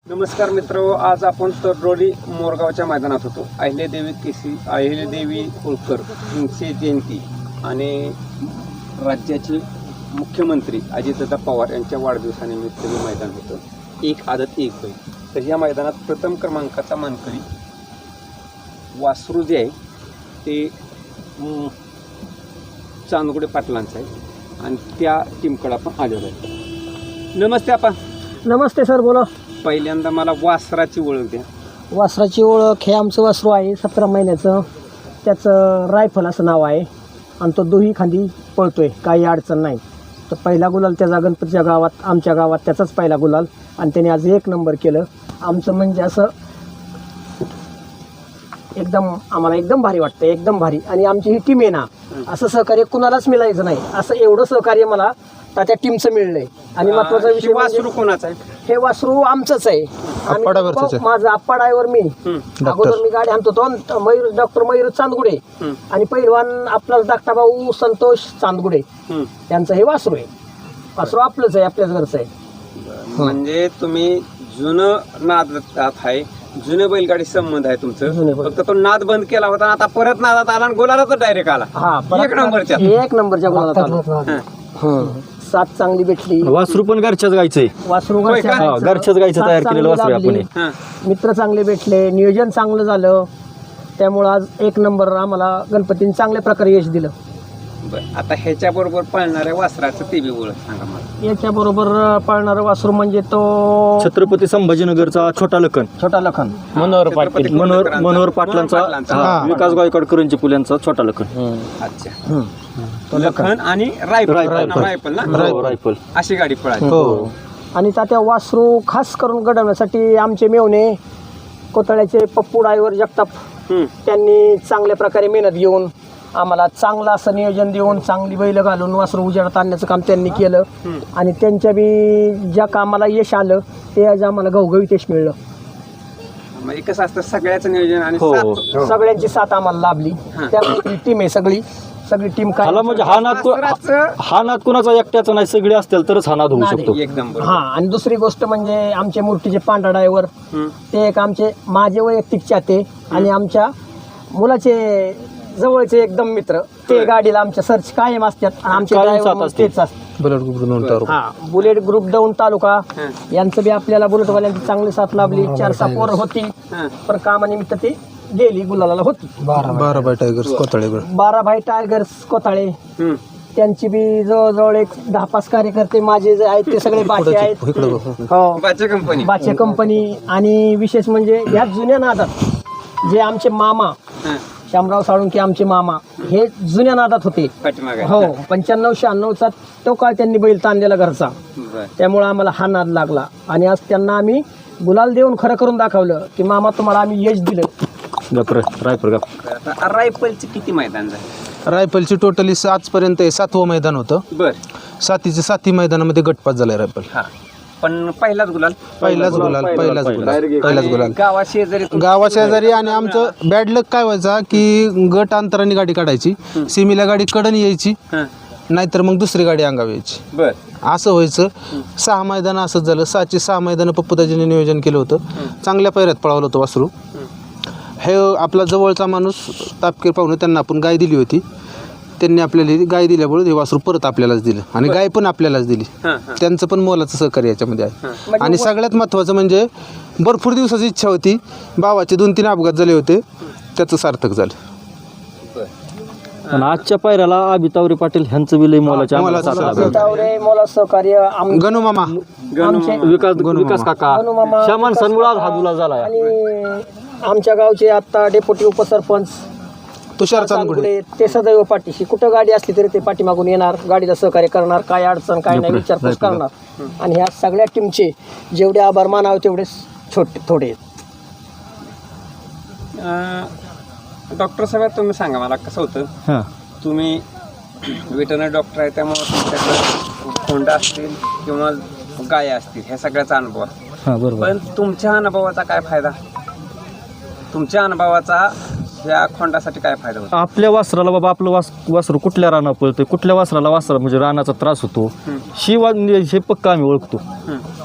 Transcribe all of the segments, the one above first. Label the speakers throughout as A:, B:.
A: नमस्कार मित्रांनो, आज आपण तरडोली मोरगावच्या मैदानात होतो. अहिल्यादेवी होळकर यांची जयंती आणि राज्याचे मुख्यमंत्री अजितदादा पवार यांच्या वाढदिवसानिमित्त हे मैदान होतं. एक आदत एक बैल. तर या मैदानात प्रथम क्रमांकाचा मानकरी वासरू जे आहे ते चांदगुडे पाटलांचा आहे आणि त्या टीमकडे आपण आलेलो आहे. नमस्ते आपा.
B: नमस्ते सर, बोला.
A: पहिल्यांदा मला वासराची ओळख द्या.
B: वासराची ओळख हे आमचं वासरू आहे 17 महिन्याचं. त्याचं रायफल असं नाव आहे आणि तो दोही खांदी पळतोय, काही अडचण नाही. तर पहिला गुलाल त्याचा गणपतीच्या गावात, आमच्या गावात त्याचाच पहिला गुलाल आणि त्याने आज 1 नंबर केलं. आमचं म्हणजे असं एकदम आम्हाला एकदम भारी वाटतं, एकदम भारी. आणि आमची ही टीम आहे ना, असं सहकार्य कुणालाच मिळायचं नाही, असं एवढं सहकार्य मला त्या टीमचं मिळलंय. आणि महत्वाचा विषय
A: वासरू कोणाचा आहे?
B: हे वासरू आमचंच आहे. माझं आप्पा ड्रायव्हर मी. अगोदर मी गाडी आणतो तो मयूर, डॉक्टर मयूर चांदगुडे आणि पहिलवान आपला धाकटा भाऊ संतोष चांदगुडे यांचं हे वासरू आहे. वासरू आपलंच आहे, आपल्याच घरचं आहे.
A: म्हणजे तुम्ही जुनं नाद आहे, जुने बैलगाडी संबंध आहे तुमचं. फक्त तो नाद बंद केला होता, आता परत नादात आला आणि गोलाला डायरेक्ट आला.
B: हा,
A: 1 नंबरच्या
B: गोलात आला. सात चांगली भेटली.
C: वासरू पण घरच्याच गायचंय.
B: वासरू
C: घरच्याच गायचं तयार केलेलं वासरू आपण.
B: मित्र चांगले भेटले, नियोजन चांगलं झालं, त्यामुळं आज 1 नंबर आम्हाला गणपतीने चांगल्या प्रकारे यश दिलं.
A: आता ह्याच्या बरोबर पळणाऱ्या वासराचं ते बी ओळख सांगा मला.
B: याच्या बरोबर पळणारं वासरू म्हणजे तो
C: छत्रपती संभाजीनगरचा छोटा लखन. मनोहर पाटलांचा, विकास गायकवाड करंजी पुल्यांचा छोटा लखन.
A: अच्छा, लखन आणि रायफल अशी गाडी पळाली.
B: आणि त्या वासरू खास करून घडवण्यासाठी आमचे मेवणे कोतळ्याचे पप्पू ड्रायव्हर जगताप त्यांनी चांगल्या प्रकारे मेहनत घेऊन आम्हाला चांगलं असं नियोजन देऊन चांगली बैल घालून वासरू उजेडात आणण्याचं काम त्यांनी केलं. आणि त्यांच्या बी ज्या कामाला यश आलं ते आज आम्हाला घवघवीत यश मिळलं.
A: म्हणजे कसं असतं, सगळ्याचं नियोजन आणि
B: सगळ्यांची साथ आम्हाला लाभली. त्यामुळे टीम आहे, सगळी टीम काय
C: म्हणजे हा नाद कुणाचा एकट्याचा नाही, सगळे असतील तरच हा नाद होऊ शकतो.
A: एकदम.
B: हा, आणि दुसरी गोष्ट म्हणजे आमचे मूर्तीचे पांढरा ड्रायव्हर ते एक आमचे माझे वैयक्तिक चाहते आणि आमच्या मुलाचे जवळचे एकदम मित्र. ते गाडीला आमच्या सर्च कायम असतात. आमचे ड्रायव्हर तेच असतात. बुलेट ग्रुप दौंड तालुका यांचं बी आपल्याला बुलेटवाल्यांची चांगली साथ लाभली. 4 पोरं होती, पण कामानिमित्त ती गेली, गुलाला होती.
C: 12 बाय टायगर्स कोथाळे
B: त्यांची बी जवळजवळ एक 10-5 कार्यकर्ते माझे जे आहेत ते सगळे बाचे आहेत. बाचे कंपनी. आणि विशेष म्हणजे ह्या जुन्या नादात जे आमचे मामा शामराव साळुंके आमचे मामा हे जुन्या नादात होते. हो, 95-96चा तो काळ त्यांनी बैल ताणलेला घरचा. त्यामुळे आम्हाला हा नाद लागला आणि आज त्यांना आम्ही गुलाल देऊन खरं करून दाखवलं की मामा तुम्हाला आम्ही यश दिलं.
A: रायफलची किती मैदान झाले?
D: रायफलची टोटली आजपर्यंत 7वं मैदान होतं. 7 मैदानामध्ये गटपास झालाय रायफल.
A: पण पहिलाच गुलाल.
D: गावाशेजारी. आणि आमचं बॅड लक काय व्हायचा की गट अंतराने गाडी काढायची, सिमीला गाडी कडन यायची, नाहीतर मग दुसरी गाडी अंगावर यायची. असं व्हायचं. 6 मैदान असंच झालं. 6ची 6 मैदानं पप्पूदाजीने नियोजन केलं होतं. चांगल्या पैऱ्यात पळवलं होतं वासरू. हे आपला जवळचा माणूस तापकीर पाहुणे, त्यांना आपण गाय दिली होती. त्यांनी आपल्याला गाय दिल्यामुळे हे वासरू परत आपल्यालाच दिलं आणि गाय पण आपल्यालाच दिली. त्यांचं पण मोलाचं सहकार्य याच्यामध्ये आहे. आणि सगळ्यात महत्त्वाचं म्हणजे भरपूर दिवसाची इच्छा होती, भावाचे 2-3 अपघात झाले होते, त्याचं सार्थक झालं.
C: आणि आजच्या पायऱ्याला अभितावरे पाटील ह्यांचं विलय मोलाच्या
B: सहकार्य
D: गणू मामा,
C: विकास काका, ह्या माणसांमुळे हा गुलाल झाला.
B: आणि आमच्या गावचे आता डेप्युटी उपसरपंच
D: तुषार चांदगुडे
B: ते सदैव पाठीशी, कुठं गाडी असली तरी ते पाठीमागून येणार, गाडीला सहकार्य करणार, काय अडचण काय नाही विचारपूस करणार. आणि ह्या सगळ्या टीमचे जेवढे आभार मानावे तेवढे थोडे आहेत.
A: डॉक्टर साहेब, तुम्ही सांगा मला कसं होतं, तुम्ही वेटरनरी डॉक्टर आहे त्यामुळे तुमच्याकडे खोंडा असतील किंवा गाय असतील ह्या सगळ्याचा अनुभव आहे. पण तुमच्या अनुभवाचा काय फायदा, तुमच्या अनुभवाचा या खोंडासाठी काय फायदा होतो?
C: आपल्या वासराला बाबा, आपलं वासरू कुठल्या रानात पळतंय, कुठल्या वासराला म्हणजे रानाचा त्रास होतो, हे पक्का आम्ही ओळखतो.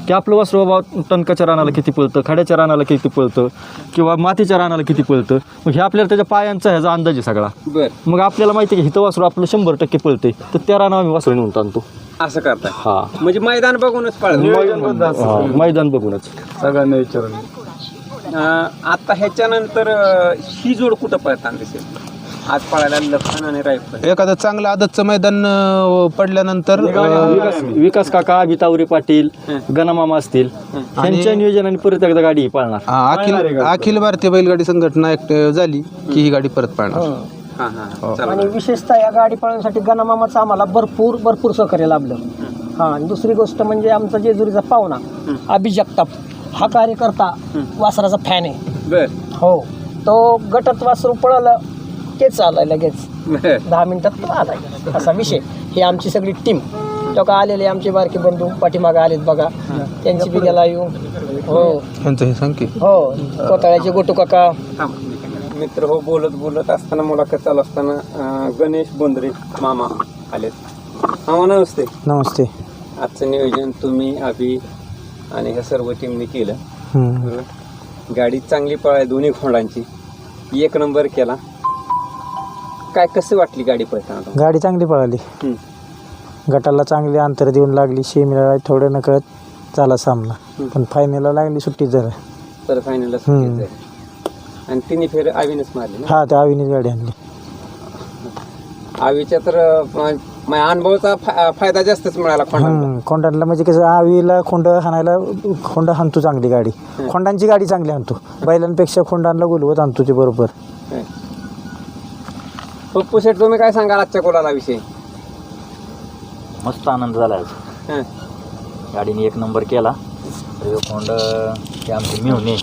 C: की आपलं वासरू बाबा टणकाच्या रानाला किती पळतं, खड्याच्या रानाला किती पळतं किंवा मातीच्या रानाला किती पळतं. मग हे आपल्याला त्याच्या पायांचा ह्याचा अंदाज आहे सगळा.
A: बर,
C: मग आपल्याला माहिती आहे की हिथं वासरू आपलं 100% पळते, तर त्या रानावर आम्ही वासरू नेऊन आणतो.
A: असं करताय
C: हा,
A: म्हणजे मैदान बघूनच पाळ
C: मैदान बघूनच.
E: सगळ्यांना विचारून
A: आता ह्याच्यानंतर ही जोड कुठं पळताना दिसेल? आज पळायला लखन आणि रायफल.
D: एखादं चांगलं आदतचं मैदान पडल्यानंतर
C: विकास काका, अभितावरे पाटील, गणामामा असतील, त्यांच्या नियोजनाने परत एकदा गाडी पाळणार.
D: अखिल भारतीय बैलगाडी संघटना ऍक्टिव्ह झाली की ही गाडी परत पाळणार.
A: हा हा चला.
B: आणि विशेषतः या गाडी पळण्यासाठी गणामामाचं आम्हाला भरपूर सहकार्य लाभलं. हा, आणि दुसरी गोष्ट म्हणजे आमचा जेजुरीचा पाहुणा अभि जगताप हा कार्यकर्ता वासराचा फॅन आहे.
A: बर
B: हो, तो गटात वासरू पळालं तेच आलाय लगेच
A: बर
B: 10 मिनिटात आलाय असा विषय. ही आमची सगळी टीम लोक आलेले, आमचे बारके बंधू पाठीमागे आलेत बघा, त्यांची बी गेला येऊ. हो
D: यांचं हे सांग
B: हो, कोताळ्याचे गोटू काका.
A: मित्र हो, बोलत असताना मुलाखत चालू असताना गणेश बोंद्रे मामा आलेत. मामा नमस्ते.
D: नमस्ते.
A: आजचं नियोजन तुम्ही अभि आणि ह्या सर्व टीमने केलं. बरोबर. गाडी चांगली पळाली, दोन्ही खोंडांची 1 नंबर केला. काय कसं वाटली गाडी पळताना?
F: गाडी चांगली पळाली. गटाला चांगली अंतर देऊन लागली, शेमीला थोडं नकळत झाला सामना, पण फायनलला लागली सुट्टी जरा.
A: तर फायनलला आणि तिने फेर आवीनच मारली ना?
F: हा, त्या आवीनेच गाडी आणली.
A: आवीच्या तर अनुभवाचा फायदा जास्तच मिळाला खोंडांना.
F: खोंडांना म्हणजे कसं, आवीला खोंड हाणतो चांगली गाडी. खोंडांची गाडी चांगली आणतो, बैलांपेक्षा खोंडांना गुलवत आणतो ते बरोबर.
A: पप्पू शेठ, तुम्ही काय सांगाल आजच्या कोलाला विषयी?
G: मस्त आनंद झाला आज.
A: हं.
G: गाडीने 1 नंबर केला. तो खोंड ते आमचे मिळून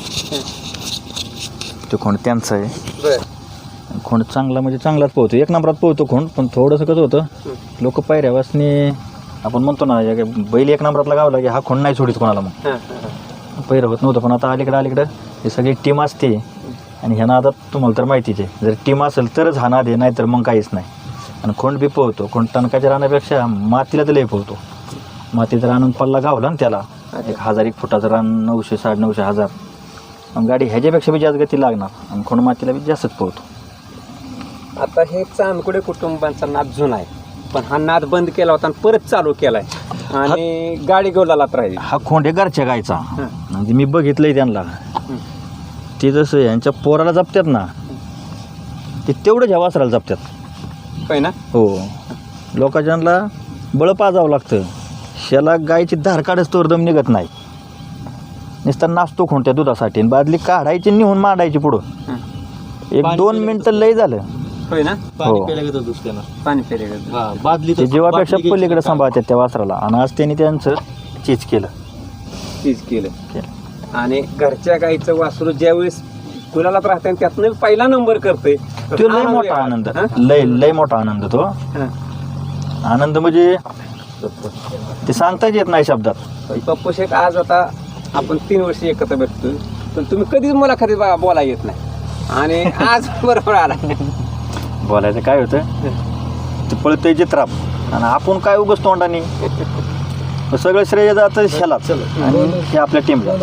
G: तो खोंड त्यांचा आहे.
A: बर
G: खोंड चांगला म्हणजे चांगलाच पोहतो, 1 नंबरात पोहतो खोंड. पण थोडंसं कसं होतं, लोक पायऱ्यावासने आपण म्हणतो ना, बैल 1 नंबरातला गावला की हा खोंड नाही सोडित कोणाला. मग पैर होत नव्हतं. पण आता अलीकडं हे सगळी टीम असते आणि ह्या नादात तुम्हाला तर माहितीच आहे, जर टीम असेल तरच हा नाद आहे, नाही तर मग काहीच नाही. आणि खोंड बी पोहतो. खोंड टणकाच्या रानापेक्षा मातीला तर लई पोहतो. मातीचा रान पल्ला गावला ना त्याला, 1000-1 फुटाचं रान 900, 950, 1000. मग गाडी ह्याच्यापेक्षा बी जास्त गती लागणार आणि खोंड मातीला बी जास्तच पोहतो.
A: आता हे चांदकुडे कुटुंबांचा नाद जुना आहे, पण हा नाद बंद केला होता आणि परत चालू केलाय आणि गाडी गोलालाच राहिली.
G: हा खोंड आहे घरच्या गायचा. म्हणजे मी बघितलंय त्यांना, ते जसं यांच्या पोराला जपतात ना, ते तेवढं ह्या वासराला जपतात.
A: होय ना?
G: हो, लोकांना बळ पाजावं लागतं. शेला गायची धार काढच तोर दम निघत नाही. नुसतं नाचतो खोंड त्या दुधासाठी, आणि बादली काढायची निहून मांडायची पुढं. 1-2 मिनिटं लय झालं.
A: होय ना?
G: हो,
A: पाणी फेरेगत
G: ते जीवापेक्षा पलीकडे सांभाळतात त्या वासराला. आणि आज त्यांनी त्यांचं चीज केलं.
A: तीच केलं. आणि घरच्या गाईचं वासरू ज्यावेळेस गुलालात राहते आणि त्यातनं पहिला नंबर करते,
G: तो लय मोठा आनंद, लय मोठा आनंद. तो आनंद म्हणजे ते सांगताच येत नाही शब्दात.
A: पप्पू शेठ, आज आता आपण 3 वर्ष एकत्र भेटतोय, पण तुम्ही कधीच मुलाखतीत बोलायला येत नाही आणि आज बरोबर आला.
G: बोलायचं काय होतं, ते पळतंय चित्राप आणि आपण काय उगाच तोंडाने. सगळं श्रेय जातं ह्यालाच आणि हे आपल्या टीमला.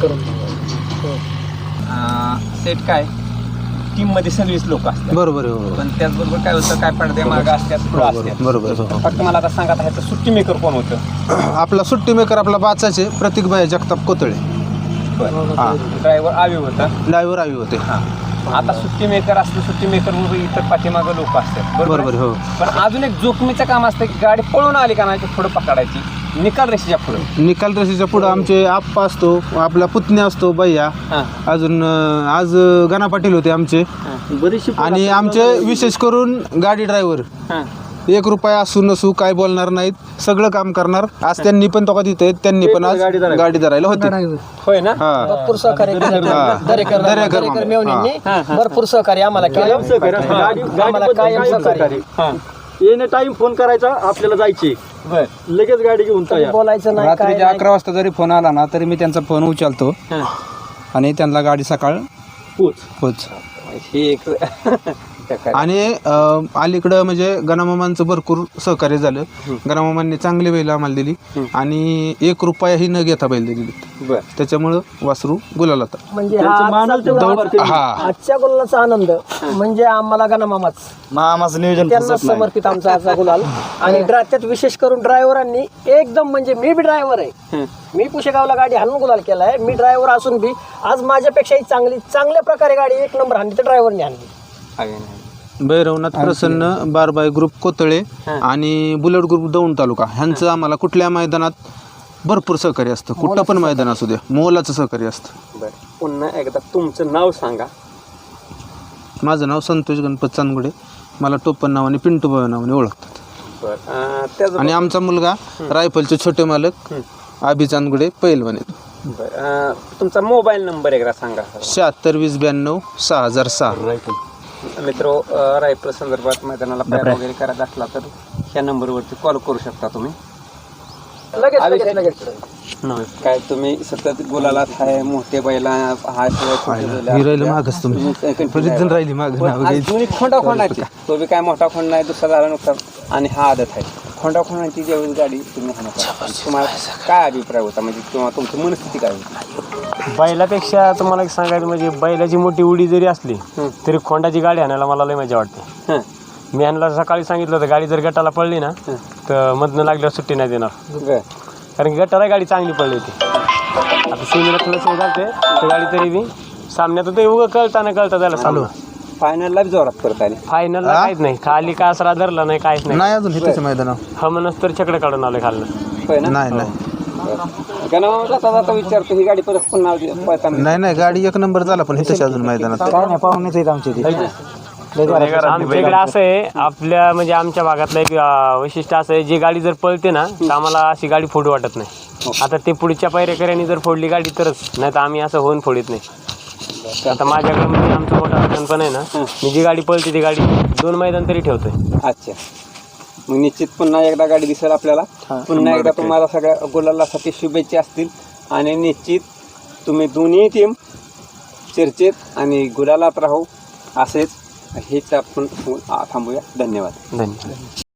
A: सेट काय टीम मध्ये सगळीच लोक असतात.
D: बरोबर आहे.
A: पण त्याचबरोबर काय होतं, काय पडदे मार्ग असतात, पुढं असतात.
D: बरोबर.
A: फक्त मला आता सांगा, ह्याचं सुट्टी मेकर कोण होतं?
D: आपला सुट्टी मेकर आपला बाचाचे प्रतिकबाई जगताप कोतळे.
A: ड्रायव्हर आवी होता,
D: ड्रायव्हर आवी होते.
A: आता सुट्टी मेकर असतं, सुट्टी मेकर इतर पाठीमागं लोक असतात.
D: बरोबर. हो,
A: पण अजून एक जोखमीचं काम असतं की गाडी पळून आली का नाही पुढे पकडायची, निकाल रेषेच्या पुढे.
D: निकाल रशीच्या पुढं आमचे आप्पा असतो, आपला पुतण्या असतो भैया, अजून आज गणा पाटील होते आमचे. आणि आमचे विशेष करून गाडी ड्रायव्हर 1 रुपया असू नसू काय बोलणार नाहीत, सगळं काम करणार. आज त्यांनी पण तो तिथे, त्यांनी पण आज गाडी धरायला होते.
A: होय ना?
B: भरपूर सहकार्य दरेकर मेवणींनी भरपूर सहकार्य आम्हाला केलं. आम्हाला कायम सहकार्य.
C: येणे टाइम फोन करायचा, आपल्याला जायची, लगेच गाडी घेऊन तयार.
B: बोलायचं नाही, काय
E: रात्रीच्या 11 वाजता जरी फोन आला ना, तरी मी त्यांचा फोन उचलतो आणि त्यांना गाडी सकाळ पोच.
A: हे एक
D: आणि अलीकडं म्हणजे गणामामांचं भरपूर सहकार्य झालं. गणामामांनी चांगली बैल आम्हाला दिली आणि 1 रुपयाही न घेता बैल दिली. त्याच्यामुळं वासरू गुलाल होता.
B: म्हणजे आजच्या गुलालाचा आनंद म्हणजे आम्हाला गणामामाच
G: मामाचं नियोजन
B: त्यांना समर्पित आमचा आजचा गुलाल. आणि त्यात विशेष करून ड्रायव्हरांनी एकदम म्हणजे मी बी ड्रायव्हर आहे, मी पुशेगावला गाडी हाणून गुलाल केलाय. मी ड्रायव्हर असून बी आज माझ्यापेक्षाही चांगल्या प्रकारे गाडी 1 नंबर हाणली तर ड्रायव्हरने हाणली.
D: भैरवनाथ प्रसन्न, बारबाई ग्रुप कोतळे आणि बुलेट ग्रुप दौंड तालुका ह्यांचं आम्हाला कुठल्या मैदानात भरपूर सहकार्य असतं. कुठं पण मैदान असू द्या, मोलाचं सहकार्य असतं.
A: बरं, पुन्हा एकदा तुमचं नाव सांगा.
D: माझं नाव संतोष गणपत चांदगुडे. मला टोपण नावाने पिंटू बाबा नावाने ओळखतात.
A: बरं,
D: आणि आमचा मुलगा रायफलचे छोटे मालक आबी चांदगुडे पैलवान येतो.
A: बरं, तुमचा मोबाईल नंबर एकदा सांगा.
D: 76 20 92 6006.
A: मित्र, रायफल संदर्भात मैदानाला पायरा वगैरे करायचा असला तर ह्या नंबरवरती कॉल करू शकता तुम्ही.
B: लगेच
A: काय तुम्ही सतत गुलालात आहे, मोठे बैला
D: राहिलं मागच तुम्ही राहिली माग
A: खोंडाची तो बी काय मोठा खोंड नाही, दुसरा झाला नुकसान. आणि हा आदत आहे खोंडाची ज्यावेळेस गाडी तुम्ही हाणता तुम्हाला काय अभिप्राय होता, म्हणजे किंवा तुमची मनस्थिती काय होती?
H: बैलापेक्षा तुम्हाला एक सांगायचं म्हणजे बैलाची मोठी उडी जरी असली तरी खोंडाची गाडी आणायला मला लय मजा वाटते. मी ह्यांना सकाळी सांगितलं होतं गाडी जर गटाला पडली ना तर मधनं लागल्यावर सुट्टी नाही देणार, कारण की गटाला गाडी चांगली पडली होती. आता सीमेला थोडंसं घालते तर गाडी तरी बी सामन्यात ते उगं कळता त्याला चालू.
A: फायनलला बी जोरात करता आली.
H: फायनलला काहीच नाही, खाली का असरा धरला नाही, काहीच नाही
D: अजून हिथेच मैदान
H: म्हणूनच तर छकडे काढून आले खाल्लं.
D: नाही
A: गणामामाला विचारतो ही गाडी परत पुन्हा पळताना.
D: नाही गाडी 1 नंबर झाला पण हिथेच अजून मैदानात
F: काय नाही, पाहुणेच आहेत आमचे ते.
H: आमच्याकडे असं आहे, आपल्या म्हणजे आमच्या भागातलं एक वैशिष्ट्य असं आहे, जी गाडी जर पळते ना तर आम्हाला अशी गाडी फोडू वाटत नाही. आता ते पुढच्या पायरेकऱ्यांनी जर फोडली गाडी तरच, नाही तर आम्ही असं होऊन फोडीत नाही. आता माझ्याकडे म्हणजे आमचं मोठं अडचण पण आहे ना, मी जी गाडी पळते ती गाडी 2 मैदान तरी ठेवतोय.
A: अच्छा, मग निश्चित पुन्हा एकदा गाडी दिसेल आपल्याला. पुन्हा एकदा तुम्हाला सगळ्या गुलालासाठी शुभेच्छा असतील आणि निश्चित तुम्ही दोन्ही टीम चर्चेत आणि गुलालात राहू असेच हेच आपण थांबूया. धन्यवाद.